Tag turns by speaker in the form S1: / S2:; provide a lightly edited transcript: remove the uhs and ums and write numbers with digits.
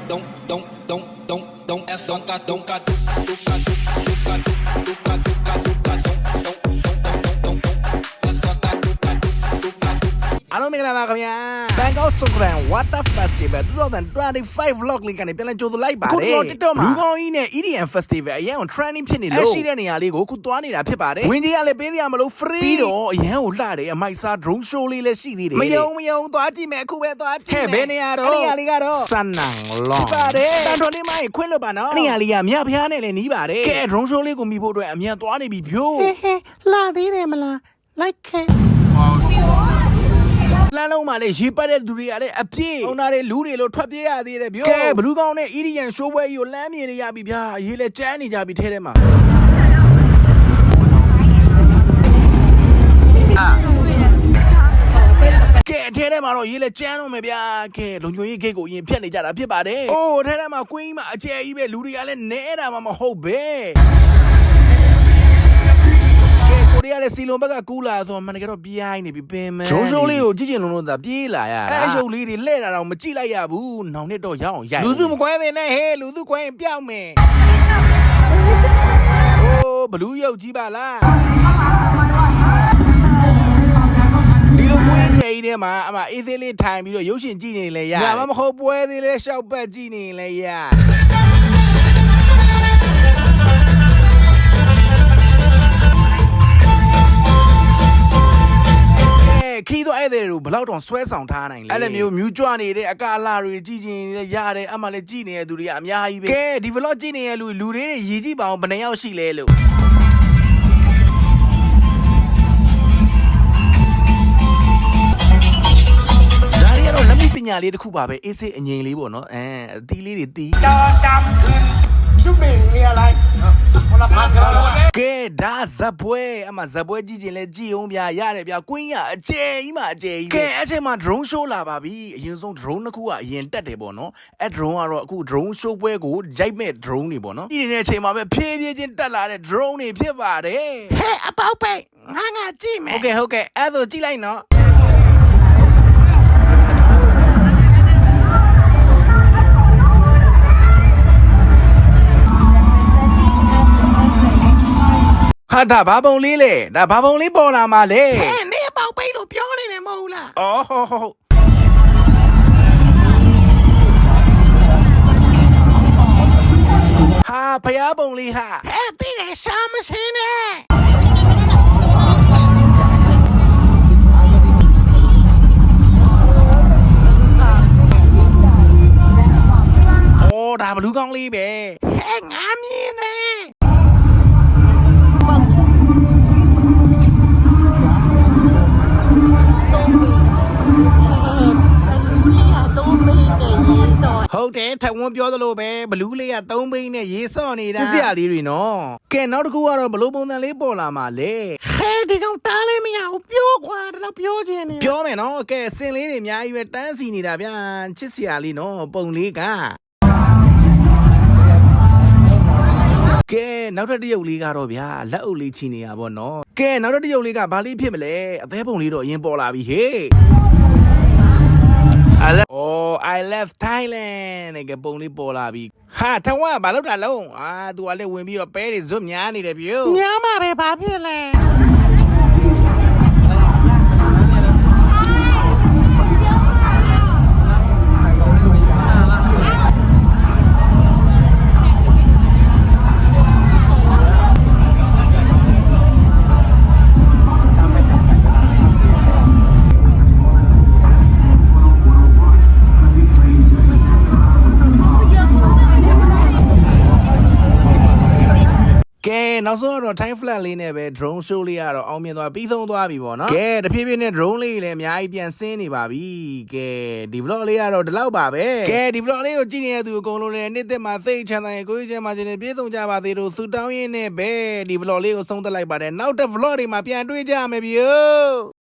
S1: Hello မင်္ဂလာပါခင်ဗျာ Bangkok Songkran Water Festival 2025 vlog လေးကနေပြန်လည်ကြိုဆိုလိုက်ပါတယ်ခုတော့ TikTok မှာလူကောင်းကြီးနဲ့ EDM Festival အရင်က trending ဖြစ်နေလို့ရှိတဲ့နေရာလေးကိုခုသွားနေတာဖြစ်ပါတယ်ဝင်ကြီးကလည်းပေးရမလို့ free ပြီးတော့အရင်ကိုလှတယ်အမိုက်စား drone show လေးလည်းရှိသေးတယ်မယုံသွားကြည့်မယ်အခုပဲသွားကြည့်မယ်ဘယ်နေရာတော့နေရာလေးကတော့စနန်လောင်းပါတယ်တန်ထွန်လေးမိုင်းခွင့်လို့ပါနော်နေရာလေးကမြဖျားနဲ့လည်းနီးပါတယ်ကဲ drone show လေးကိုမိဖို့အတွက်အမြန်သွားနေပြီဖြိုးလာသေးတယ်မလား like လမ်းလုံးမှာလည်းရေပတ်တဲ့လူတွေကလည်းအပြည့်ုံနာတွေလူတွေလို့ထွက်ပြေးရသေးတယ်ဗျကဲဘလူးကောင်းနဲ့ EDM show ပွဲကြီးကိုလမ်းမြင်နေရပြီဗျာရေလည်းကျန်းနေကြပြီထဲထဲမှာကဲထဲထဲမှာတော့ရေလည်းကျန်းတော့မယ်ဗျာကဲလုံချုံကြီးဂိတ်ကိုအရင်ဖြတ်နေကြတာဖြစ်ပါတယ်အိုးထဲထဲမှာကွင်းကြီးမှာအကျယ်ကြီးပဲလူတွေကလည်းနဲတာမှမဟုတ်ပဲကိုရီးယားလည်းစီလုံးဘက်ကကူးလာဆိုတော့မနက်ကတော့ပြိုင်းနေပြီပင်မယ်ဂျုံရှိုးလေးကိုကြည့်ချင်လို့သာပြေးလာရတာအဲရှုပ်လေးတွေလှဲ့တာတော့မကြည့်လိုက်ရဘူးနောင်နှစ်တော့ရအောင်ရိုက်လူစုမကွဲသေးနဲ့ဟဲ့လူစုကွဲရင်ပြောက်မယ်အိုးဘလူးရုပ်ကြီးပါလားဒီလိုပွဲထဲထဲမှာအမအေးသေးလေးထိုင်ပြီးတော့ရုပ်ရှင်ကြည့်နေလဲရညမဟုတ်ပွဲသေးလေးရှောက်ပတ်ကြည့်နေလဲရခီးတော့အဲ့တဲ့တို့ဘလောက်တောင်ဆွဲဆောင်ထားနိုင်လဲအဲ့လိုမျိုးမြူးကြွနေတဲ့အကာလာတွေကြည့်ချင်ရတယ်အမှလည်းကြည့်နေတဲ့သူတွေကအများကြီးပဲကဲဒီ vlog ကြည့်နေတဲ့လူတွေရည်ကြည့်ပါအောင်ဘယ်နှယောက်ရှိလဲလို့ဒါရီကတော့လက်မှုပညာလေးတစ်ခုပါပဲအေးစေးအငြိမ်လေးပေါ့နော်အသီးလေးတွေတီးတော်တမ်းขึ้นသူမင်းနေလိုက်ခဏဖတ်ကြတော့ကဲဒါဇပွဲအမဇပွဲကြည့်ချင်လဲကြည့်အောင်ဗျာရတယ်ဗျာကွင်းရအကျယ်ကြီးမှအကျယ်ကြီးကဲအဲ့ချိန်မှာ drone show လာပါပြီအရင်ဆုံး drone တစ်ခုကအရင်တက်တယ်ပေါ့နော်အဲ့ drone ကတော့အခု drone show ပွဲကိုရိုက်မဲ့ drone တွေပေါ့နော်ဒီနေတဲ့အချိန်မှာပဲဖြည်းဖြည်းချင်းတက်လာတဲ့ drone တွေဖြစ်ပါတယ်ဟဲ့အပေါက်ပဲငါကြည့်မယ်ဟုတ်ကဲ့အဲ့ဆိုကြည့်လိုက်နော်ဟာဒါဘာပုံလေးလဲဒါဘာပုံလေးပေါ်လာမှာလဲဟဲ့နေပေါက်ပိတ်လို့ပြောနေတယ်မဟုတ်လားအော်ဟုတ်ဟာဖျားပုံလေးဟာဟဲ့တိတယ်ရှာမစင်းနဲ့အော်ဒါဘလူးကောင်းလေးပဲဟဲ့ငါမြင်နေဟုတ်တယ်ထဝန်းပြောသလိုပဲဘလူးလေးက3ဘိန်းနဲ့ရေစော့နေတာစစ်စရာလေးတွေနော်ကဲနောက်တစ်ခုကတော့ဘလို့ပုံစံလေးပေါ်လာမှာလဲဟဲ့ဒီကောင်တားလေးမရဘူးပြောခွာတော့ပြောချင်နေပြောမယ်နော်ကဲစင်လေးတွေအများကြီးပဲတန်းစီနေတာဗျာချစ်စရာလေးနော်ပုံလေးကကဲနောက်ထပ်တစ်ရုပ်လေးကတော့ဗျာလက်အုပ်လေးချီနေရပါတော့ကဲနောက်ထပ်တစ်ရုပ်လေးကဘာလေးဖြစ်မလဲအသေးပုံလေးတော့အရင်ပေါ်လာပြီဟေးI love Thailand နဲ့ကပုံလေးပေါ်လာပြီဟာထဝါဘာလို့တာလုံးသူကလည်းဝင်ပြီးတော့ပဲတွေဇွတ်များနေတယ်ဗျာများမှာပဲဘာဖြစ်လဲကဲနောက်ဆုံးတော့ time flat လေးနဲ့ပဲ drone show လေးကတော့အောင်မြင်သွားပြီးဆုံးသွားပြီပေါ့နော်ကဲတဖြည်းဖြည်းနဲ့ drone လေးလည်းအများကြီးပြန်ဆင်းနေပါပြီကဲဒီ vlog လေးကတော့ဒီလောက်ပါပဲကဲဒီ vlog လေးကိုကြည့်နေတဲ့သူအကုန်လုံးလည်းနေ့သက်မှာစိတ်ချမ်းသာရင်ကိုယ်ချမ်းသာခြင်းနဲ့ပြည့်စုံကြပါသေးလို့ဆုတောင်းရင်းနဲ့ပဲဒီ vlog လေးကိုဆုံးသက်လိုက်ပါတယ်နောက်တဲ့ vlog တွေမှာပြန်တွေ့ကြမယ်ဗျာ